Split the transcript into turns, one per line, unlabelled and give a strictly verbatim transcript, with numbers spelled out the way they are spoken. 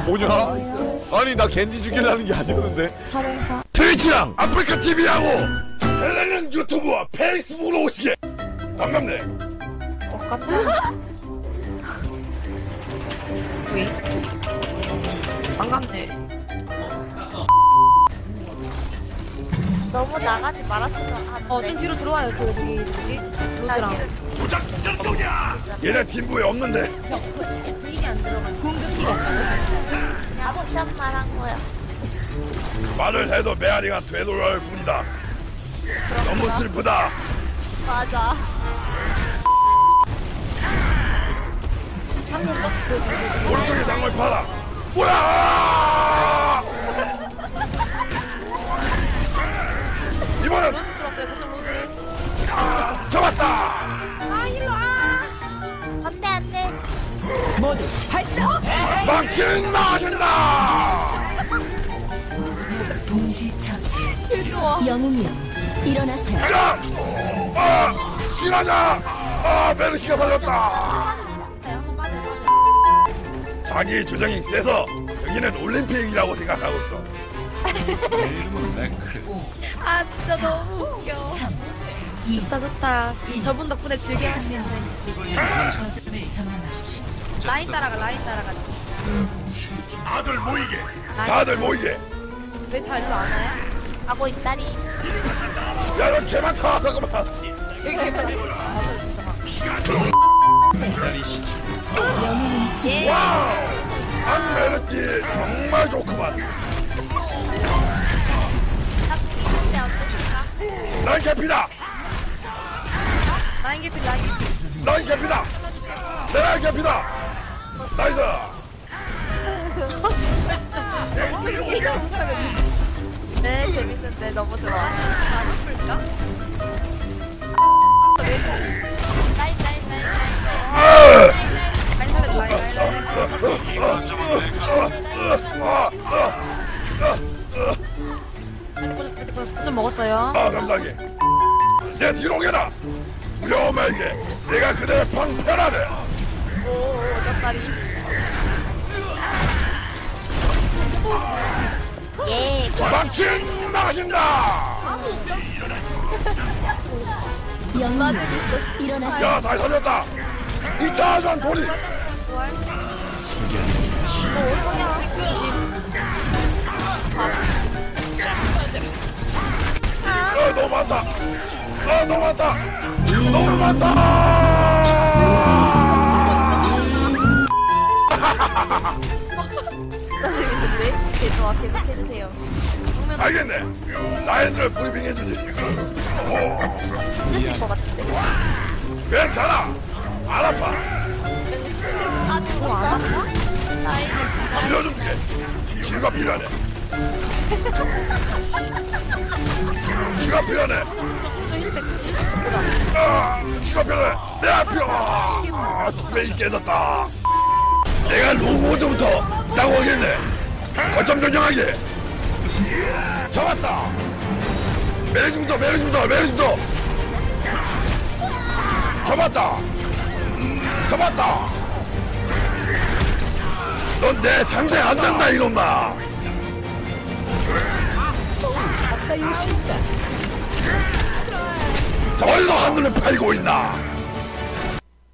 뭐냐? 아니 나 겐지 죽이려는 게 아니었는데.
사령사.
트위치랑 아프리카 티비하고 헬레는 유튜브와 페이스북으로 오시게. 반갑네.
어, 깜짝이야.
왜? 반갑네.
너무 나가지 말았으면 하는데.
어, 좀 뒤로 들어와요. 그, 저기, 뭐지? 로드랑.
무작정동이야. 얘네 팀부에 없는데.
저, 분위기 안 들어가. 공격기가 없잖아.
그냥 옵션만 한 거야.
말을 해도 메아리가 되돌아올 뿐이다. 너무 슬프다.
맞아.
상륙 떴, 그, 그, 그,
오른쪽에 장말 팔아. 뭐야! 이번엔
로드 들었어요. 그쪽 로드.
잡았다.
아, 일로 와!
안 돼, 안 돼.
모두 발사!
막힌 나신다.
동시 처치.
귀여워.
영웅이여 일어나세요.
자, 아, 신하냐? 아, 메르시가 살렸다.
한번 빠져, 빠져.
자기 주장이 세서 여기는 올림픽이라고 생각하고 있어.
아, 진짜 너무 웃겨. 좋다, 좋다. 저분 덕분에 즐겨 할 수 있네.
거점을 점령하십시오.
라인 따라가, 라인 따라가.
다들 모이게. 다들 모이게.
왜 다 일로 안 와요?
가고 있다리.
야, 너 개 많다. 잠깐만.
여기 개발 왔어, 진짜.
예.
와우. 안메르티 정말 좋구만.
근데 어떡할까?
라인 캐피다.
라인 개필, 라인 개필.
라인 캐피다. 내 라인 캐피다. 나이스.
네, 재밌는데 너무 좋아. 안 풀까? 나이, 나이, 나이, 나이, 나이.
라인 살려, 라인, 라인, 라인. 꿀 꿀 꿀 먹었어요.
아, 감사하게. 내 뒤로 오게라. 두려워 말게. 내가 그대의 방편하네.
오, 어떡하리. 예,
망친 나가신다.
영웅이여 일어나세요.
야, 다시 살렸다. 이 차 전 돌이. 아, 너무 많다. 아, 너무 많다. 너무 많다.
진짜 재밌는데? 개 좋아, 계속 해주세요.
알겠네. 라인들 브리핑 해주지.
힘드실 것 같은데.
괜찮아. 안 아파.
아, 누구 안 아파? 나이.
빌려 좀 주게. 치유가 필요하네. 치유가 필요하네. 아, 치유가 필요해. 내 앞이 아, 뚝배기 깨졌다. 내가 로고부터 따고 오겠네. 거점 변경하게. 잡았다. 메리스부터, 메리스부터, 메리스부터. 잡았다. 잡았다. 넌 내 상대 안 된다 이놈아. 자, 어디서 하늘을 팔고 있나?